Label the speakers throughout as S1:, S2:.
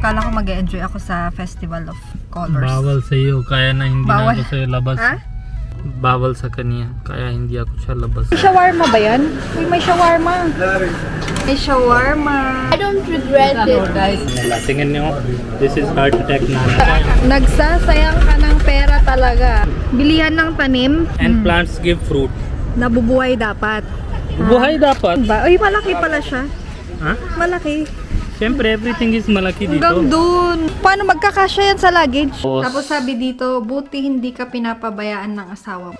S1: Kala ko mag-enjoy ako sa Festival of Colors.
S2: Bawal sa iyo, kaya na hindi
S1: Bawal.
S2: na ako sa'yo labas.
S1: Ha?
S2: Bawal sa kanya, kaya hindi ako siya labas.
S1: Shawarma ba yan? Uy, may shawarma. May shawarma.
S3: I don't regret it.
S1: Guys,
S2: Tingnan niyo, this is heart attack na.
S1: nagsasayang ka ng pera talaga. Bilihan ng tanim.
S2: And plants give fruit.
S1: Nabubuhay dapat.
S2: Buhay dapat.
S1: Ba? Uy, malaki pala siya.
S2: Ha?
S1: Malaki.
S2: Siyempre, everything is malaki dito.
S1: Hanggang dun. Paano magkakasya yan sa luggage?
S2: Tapos-
S1: Tapos sabi dito, buti hindi ka pinapabayaan ng asawa mo.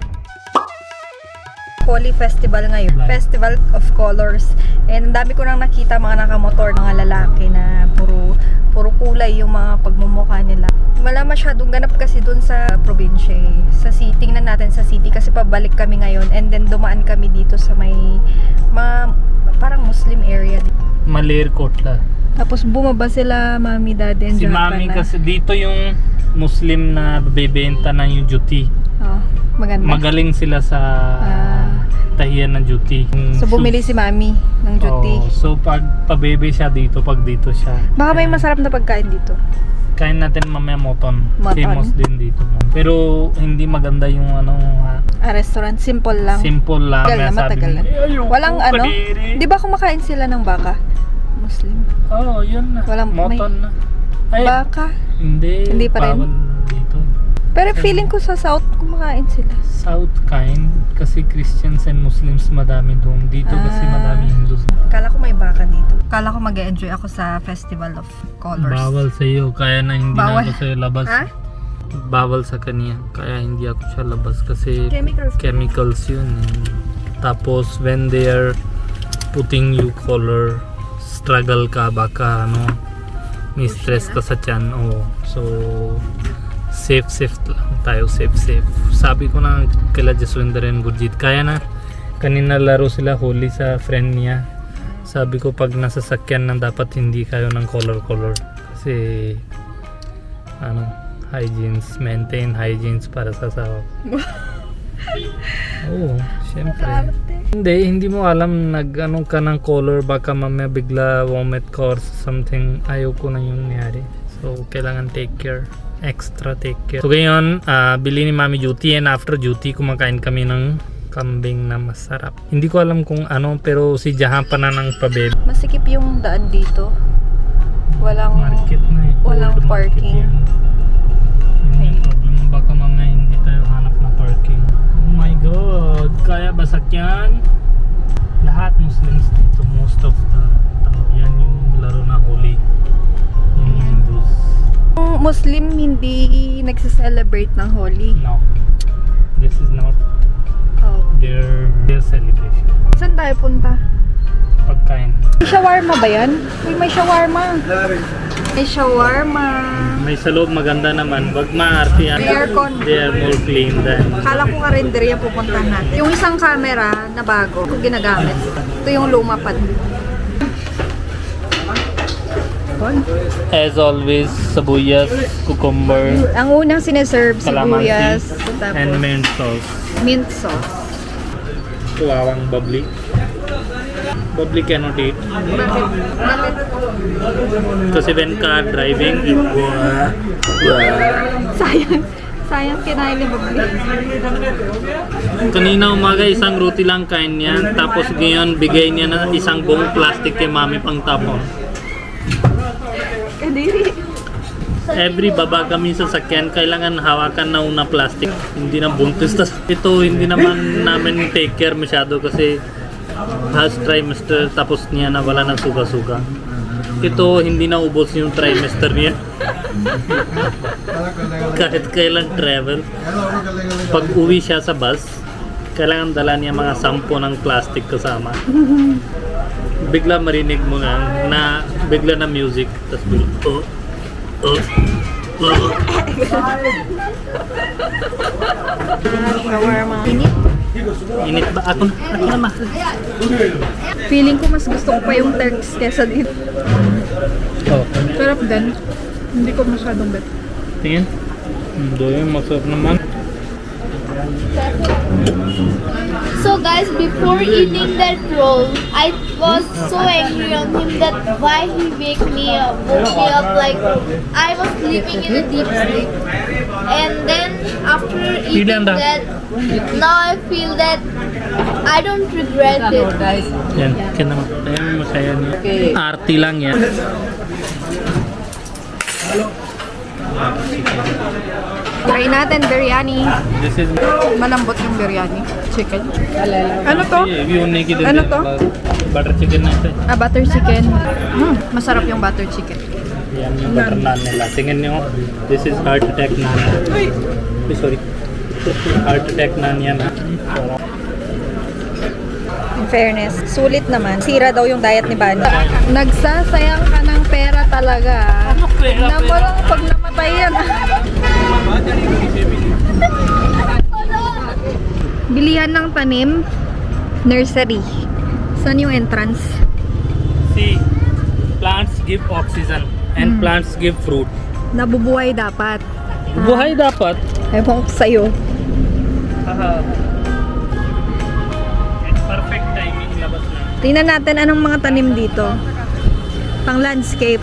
S1: Holi Festival ngayon. Festival of Colors. And ang dami ko nang nakita mga nakamotor, mga lalaki na puro kulay yung mga pagmumukha nila. Wala masyadong ganap kasi dun sa probinsya eh. Sa city, tingnan natin sa city kasi pabalik kami ngayon and then dumaan kami dito sa may mga parang Muslim area.
S2: Malerkotla.
S1: Tapos bumaba sila, mami, daddy, and
S2: Si
S1: Japa
S2: mami
S1: na.
S2: kasi dito yung Muslim na bebenta na yung duty.
S1: Oh, maganda.
S2: Magaling sila sa tahiyan ng duty.
S1: So bumili si mami ng duty.
S2: So pag pabebe siya dito, pag dito siya.
S1: Baka may masarap na pagkain dito.
S2: Kain natin mamaya moton.
S1: Moton.
S2: Famous din dito. Pero hindi maganda yung
S1: Restaurant, simple lang.
S2: simple lang.
S1: Tagal na,
S2: Sabi
S1: matagal
S2: mo,
S1: na.
S2: ayoko,
S1: Walang ano,
S2: kadiri."
S1: di ba kumakain sila ng baka? Muslim.
S2: Oo, yun na.
S1: Walang-
S2: Moton na. Ay,
S1: Baka.
S2: hindi
S1: pa rin?
S2: bawal dito.
S1: Pero feeling ko sa South kumakain sila.
S2: South kind kasi Christians and Muslims madami doon. Dito kasi madami Hindus.
S1: Kala ko may baka dito. Kala ko mag-enjoy ako sa Festival of Colors.
S2: Bawal sa iyo, kaya na hindi
S1: Bawal.
S2: na ako sa'yo labas.
S1: Ha?
S2: Bawal sa kanya, kaya hindi ako siya labas kasi
S1: Chemicals.
S2: chemicals yun. Tapos when they are putting you color, struggle ka, baka may stress ka sa tiyan. So safe lang tayo, safe. Sabi ko na kila Jaswinder and Gurjit, kaya na. Kanina laro sila holi sa friend niya. Sabi ko pag nasa sakyan na dapat hindi kayo ng color kasi maintain hygienes para sa asawa. Oo, syempre. Hindi mo alam nag-ano ka ng color, baka mamaya bigla vomit ka or something. Ayaw ko na yung nangyari. So, kailangan extra take care. So, ngayon, bili ni Mami duty and after duty, kumakain kami ng kambing na masarap. Hindi ko alam kung ano, pero si Jahan pa na ng pabebe.
S1: Masikip yung daan dito. Walang
S2: Market na eh.
S1: walang
S2: Old market
S1: parking.
S2: yan. Yun yung problem. Baka mamaya hindi tayo hanap na parking. Oh my god, kaya ba sakyan? Lahat Muslims dito, most of the tao. Yan yung laro na holi. Yung Hindus.
S1: Yung Muslim hindi nagse-celebrate ng Holi.
S2: No, this is not
S1: Oh.
S2: their celebration.
S1: Saan tayo punta?
S2: Pagkain.
S1: May shawarma ba yan? Uy, may shawarma. May shawarma.
S2: May sa loob maganda naman. Wag maarte yan.
S1: May aircon.
S2: They are more clean than.
S1: Kala ko nga renderia pupuntahan natin. Yung isang camera na bago, ko ginagamit. Ito yung luma pa.
S2: As always, sabuyas, cucumber,
S1: Ang unang sineserve, sibuyas,
S2: calamansi, and
S1: tapos
S2: mint sauce.
S1: mint sauce.
S2: Tuwawang bubbly. Bubbly cannot eat.
S1: Bakit? Bakit?
S2: Kasi when car driving, it
S1: Sayang. Sayang kinain ni Babli.
S2: Kanina umaga isang roti lang kain niya. Tapos ngayon bigay niya na isang buong plastic kay mami pang tapon.
S1: Kadiri.
S2: Every baba kami sa sakyan, kailangan hawakan na una plastic. Hindi na buntis. Tas ito hindi naman namin take care masyado kasi first trimester tapos niya na wala ng suga-suga. Ito hindi na ubos yung trimester niya. Kahit kailan travel. Pag uwi siya sa bus, kailangan dala niya mga 10 ng plastic kasama. Bigla marinig mo na bigla na music. Tapos bigla,
S1: Shawarma. Init.
S2: Init ba? Ako naman.
S1: Feeling ko mas gusto ko pa yung Turks kesa dito.
S2: Oh,
S1: Sarap din. Hindi ko masyadong bet.
S2: tingin. Doon masarap naman.
S3: So guys, before eating that roll, I was so angry on him that why he woke me up like I was sleeping in a deep sleep. And then after eating that, now I feel that I don't regret it.
S2: Yan, kaya masaya niya. Arty lang yan.
S1: Try natin biryani.
S2: This is
S1: Malambot yung biryani. Chicken. Ano to? Ano to?
S2: Butter chicken na ito.
S1: Butter chicken. Masarap yung butter chicken.
S2: Yan yung butter naan nila. Tingnan nyo, this is heart attack naan. Ay, sorry. Heart attack naan yan.
S1: In fairness, sulit naman. Sira daw yung diet ni Bani. Nagsasayang ka ng pera talaga.
S2: Ano pera?
S1: Tignan mo lang pag namatay yan. Bilihan ng tanim, nursery. Saan yung entrance?
S2: See, plants give oxygen and plants give fruit.
S1: Nabubuhay dapat.
S2: Buhay dapat.
S1: Ewan ko sa'yo.
S2: It's perfect timing labas na.
S1: Tingnan natin anong mga tanim dito. Pang landscape.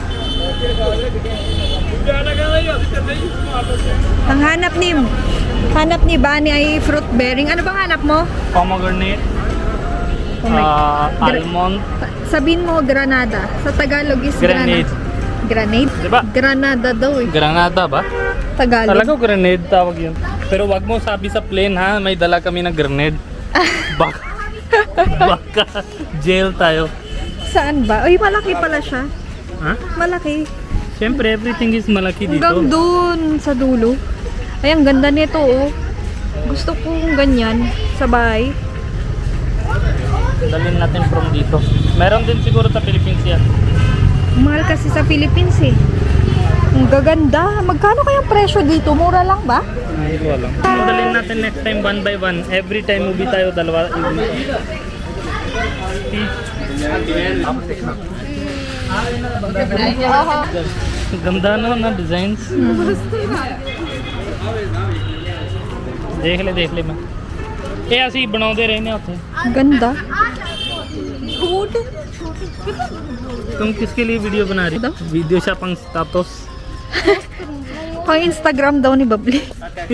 S1: Ang hanap ni Bani ay fruit bearing. Ano bang hanap mo?
S2: Pomegranate,
S1: Oh my-
S2: almond,
S1: Sabihin mo granada. Sa Tagalog is
S2: grenade.
S1: Granade?
S2: Diba?
S1: Granada daw eh.
S2: Granada ba?
S1: Tagalog.
S2: Talaga grenade tawag yun. Pero wag mo sabi sa plane ha, may dala kami ng grenade. Baka jail tayo.
S1: Saan ba? Uy, malaki pala siya.
S2: Ha?
S1: Malaki.
S2: Siyempre, everything is malaki dito.
S1: Hanggang dun sa dulo. Ay, ang ganda nito oh. Gusto kong ganyan sa bahay.
S2: Dalhin natin from dito. Meron din siguro sa Philippines yan.
S1: Mahal kasi sa Philippines eh. Ang gaganda. Magkano kayang presyo dito? Mura lang ba?
S2: Hindi ko alam. Dalhin natin next time one by one. Every time movie tayo, dalawa. गंदा ना डिजाइन्स देख ले मैं ਇਹ ਅਸੀਂ ਬਣਾਉਂਦੇ ਰਹਿੰਦੇ ਆ ਉੱਥੇ
S1: Ganda.
S2: तुम किसके लिए वीडियो बना रही हो video siya pang status
S1: Pang Instagram daw ni Babli.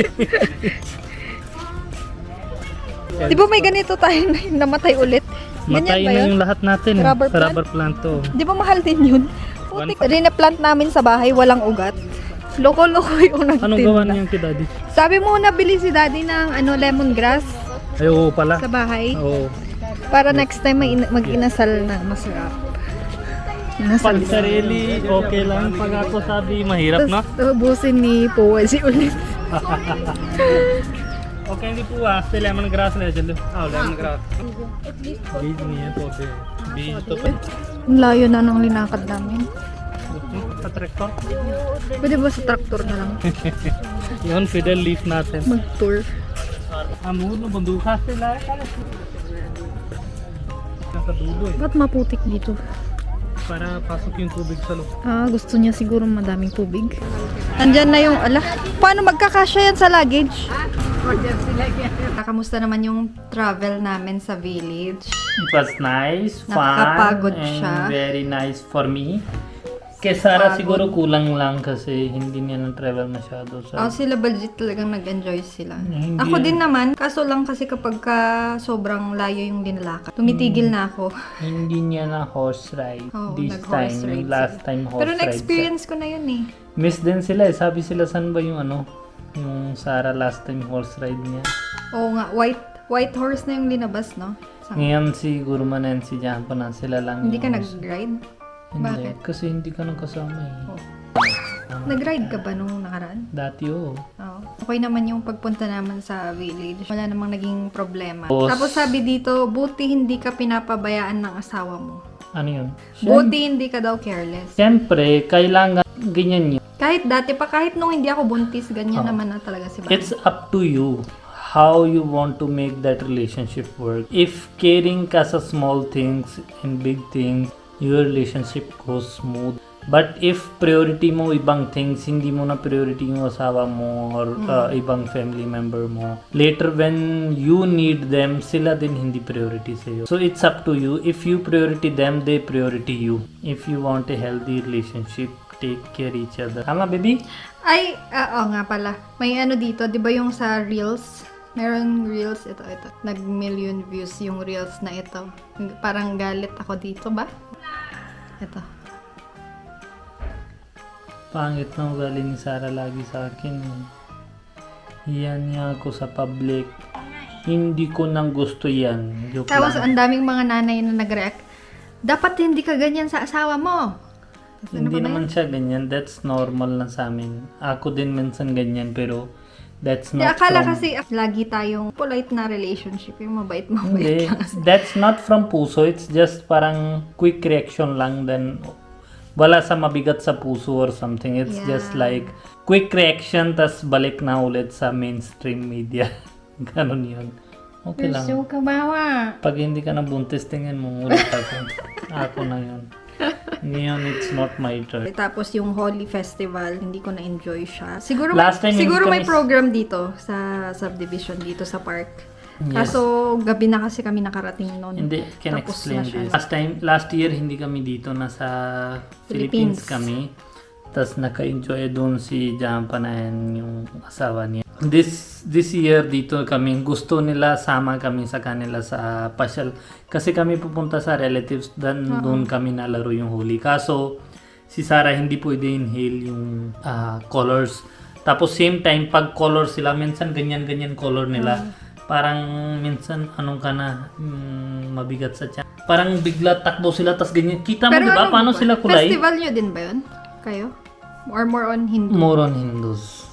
S1: Di ba may ganito tayo na namatay ulit?
S2: matay
S1: ba
S2: na
S1: yun?
S2: yung lahat natin
S1: Rubber plant?
S2: rubber plant to
S1: Di ba mahal din yun? Putik, rinaplant namin sa bahay, walang ugat. Loko-loko yung nagtinda.
S2: anong gawa niyan kay daddy
S1: Sabi mo, nabili si daddy ng lemongrass
S2: ay oo pala
S1: sa bahay.
S2: oo
S1: Para next time mag-inasal na masarap.
S2: pag sarili okay lang pag ako sabi mahirap no
S1: Tapos ubusin ni Powazi ulit.
S2: Okay hindi po आस्ते lemongrass ले चलो आओ lemongrass बीज नहीं है पौधे बीज तो
S1: Ang layo na ng linakad namin.
S2: sa tractor
S1: Pwede ba sa traktor na lang
S2: yun fiddle leaf natin
S1: mag-tour?
S2: amul no banduka sila nasa dulo eh
S1: Ba't maputik dito?
S2: para pasok yung tubig sa loob
S1: Gusto niya siguro madaming tubig. Andyan na yung, paano magkakasya yan sa luggage? Kamusta naman yung travel namin sa village?
S2: it was nice fun
S1: Nakakapagod
S2: and
S1: siya.
S2: very nice for me kay Sarah
S1: Pagod.
S2: siguro kulang lang kasi hindi niya na-travel masyado sa
S1: Sila legit talagang nag-enjoy sila.
S2: Hindi
S1: Ako
S2: yan.
S1: din naman, kaso lang kasi kapag sobrang layo yung dinalakad, tumitigil na ako.
S2: hindi niya na horse ride
S1: Oo,
S2: this
S1: nag-horse
S2: time
S1: ride
S2: yung last
S1: sila.
S2: time horse
S1: Pero
S2: ride
S1: na-experience ko na yun eh.
S2: miss din sila eh sabi sila saan ba yung yung Sarah last time horse ride niya
S1: Oo nga, white horse na yung linabas, no?
S2: ngayon siguro Nancy dyan pa na sila lang
S1: Hindi ka
S2: yung horse.
S1: nag-ride?
S2: Hindi,
S1: Bakit?
S2: kasi hindi ka nang kasama eh.
S1: Nag-ride ka ba nung nakaraan?
S2: Dati oo.
S1: Oo. Okay naman yung pagpunta naman sa village. Wala namang naging problema.
S2: Tapos-
S1: Tapos sabi dito, buti hindi ka pinapabayaan ng asawa mo.
S2: Ano yun?
S1: Buti hindi ka daw careless.
S2: Siyempre, kailangan ganyan yun.
S1: Kahit dati pa, kahit nung hindi ako buntis, ganyan naman na talaga si Bani.
S2: It's up to you how you want to make that relationship work. If caring ka sa small things and big things, your relationship goes smooth. But if priority mo ibang things, hindi mo na priority yung asawa mo or ibang family member mo, later when you need them, sila din hindi priority sa'yo. So it's up to you. If you priority them, they priority you. If you want a healthy relationship, take care each other. Tama, baby?
S1: Ay, oo nga pala. May ano dito, di ba yung sa Reels? Meron Reels, ito. Nag-million views yung Reels na ito. Parang galit ako dito ba? Ito.
S2: Pangit na ugali ni Sarah lagi sa akin. Yan niya ako sa public. Hindi ko nang gusto yan. Joke
S1: Tapos
S2: lang.
S1: ang daming mga nanay na nag-react. Dapat hindi ka ganyan sa asawa mo. Tapos ano
S2: Hindi
S1: pa ba
S2: naman
S1: yun?
S2: siya ganyan. That's normal lang sa amin. Ako din minsan ganyan pero that's
S1: Di,
S2: not
S1: akala
S2: from...
S1: kasi lagi tayong polite na relationship. Yung mabait.
S2: Hindi. That's not from puso. It's just parang quick reaction lang. Then wala sa mabigat sa puso or something. It's
S1: Yeah.
S2: just like quick reaction tas balik na ulit sa mainstream media. Ganon yun. Okay lang.
S1: So kawawa.
S2: Pag hindi ka nabuntis, tingin mo ulit ako. Ako na yun. Ngayon, it's not my turn.
S1: Tapos yung Holy Festival, hindi ko na-enjoy siya. Siguro
S2: Last time
S1: siguro
S2: hindi
S1: may
S2: kami-
S1: program dito sa subdivision dito sa park.
S2: Yes.
S1: Kaso gabi na kasi kami nakarating noon.
S2: Hindi, can
S1: Tapos
S2: explain
S1: na siya.
S2: this. Last year, hindi kami dito. Nasa Philippines
S1: Philippines.
S2: kami. Tapos naka-enjoy doon si Jampa na yan, yung asawa niya. This year dito kami, gusto nila sama kami sa kanila sa pasyal. Kasi kami pupunta sa relatives, dan doon kami nalaro yung Holi. Kaso, si Sarah hindi pwede inhale yung colors. Tapos same time, pag color sila, minsan ganyan-ganyan color nila. Parang minsan anong ka na mabigat sa tiyan. Parang bigla takbo sila tas ganyan. Kita mo
S1: Pero
S2: 'di ba
S1: ano
S2: paano
S1: ba?
S2: sila kulay?
S1: Festival nyo din ba yun? Kayo? Or more on Hindu?
S2: More on Hindus.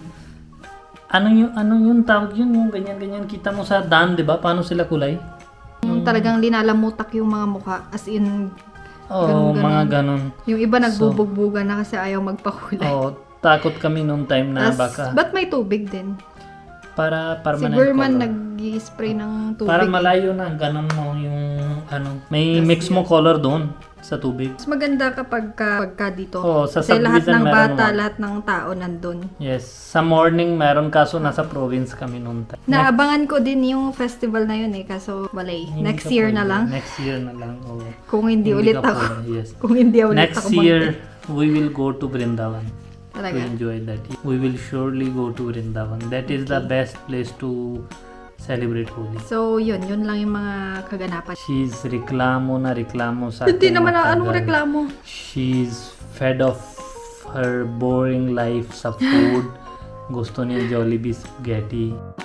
S2: Ano yung tawag yun? Yung ganyan-ganyan kita mo sa daan 'di ba? Paano sila kulay?
S1: Yung talagang linalamutak yung mga mukha. As in,
S2: Oo,
S1: Ganun-ganun.
S2: mga ganon.
S1: yung iba nagbubugbugan na kasi ayaw magpakulay.
S2: Oo, takot kami nung time na baka
S1: Ba't may tubig din?
S2: para
S1: Si
S2: permanent
S1: Burman
S2: color.
S1: nag-i-spray ng tubig.
S2: Para malayo na ganon mo yung may mix mo color doon sa tubig.
S1: Mas maganda pagka dito.
S2: Oo, sa
S1: Kasi lahat
S2: subdivision
S1: ng
S2: meron
S1: bata,
S2: naman.
S1: lahat ng tao nandun.
S2: Yes, sa morning meron kaso nasa province kami noon.
S1: Naabangan ko din yung festival na yun kaso walay. Next year na lang.
S2: Next year na lang. Oh.
S1: Kung hindi ulit
S2: ka
S1: ako.
S2: pwede, yes.
S1: Kung hindi ulit
S2: Next
S1: ako
S2: year, we will go to Vrindavan to
S1: Talaga.
S2: enjoy that. We will surely go to Vrindavan. That is the best place to celebrate Holi.
S1: So yun lang yung mga kaganapan.
S2: She's reklamo sa
S1: Hindi
S2: akin
S1: naman
S2: matagal.
S1: anong reklamo.
S2: She's fed of her boring life sa food. Gusto niya Jollibee spaghetti.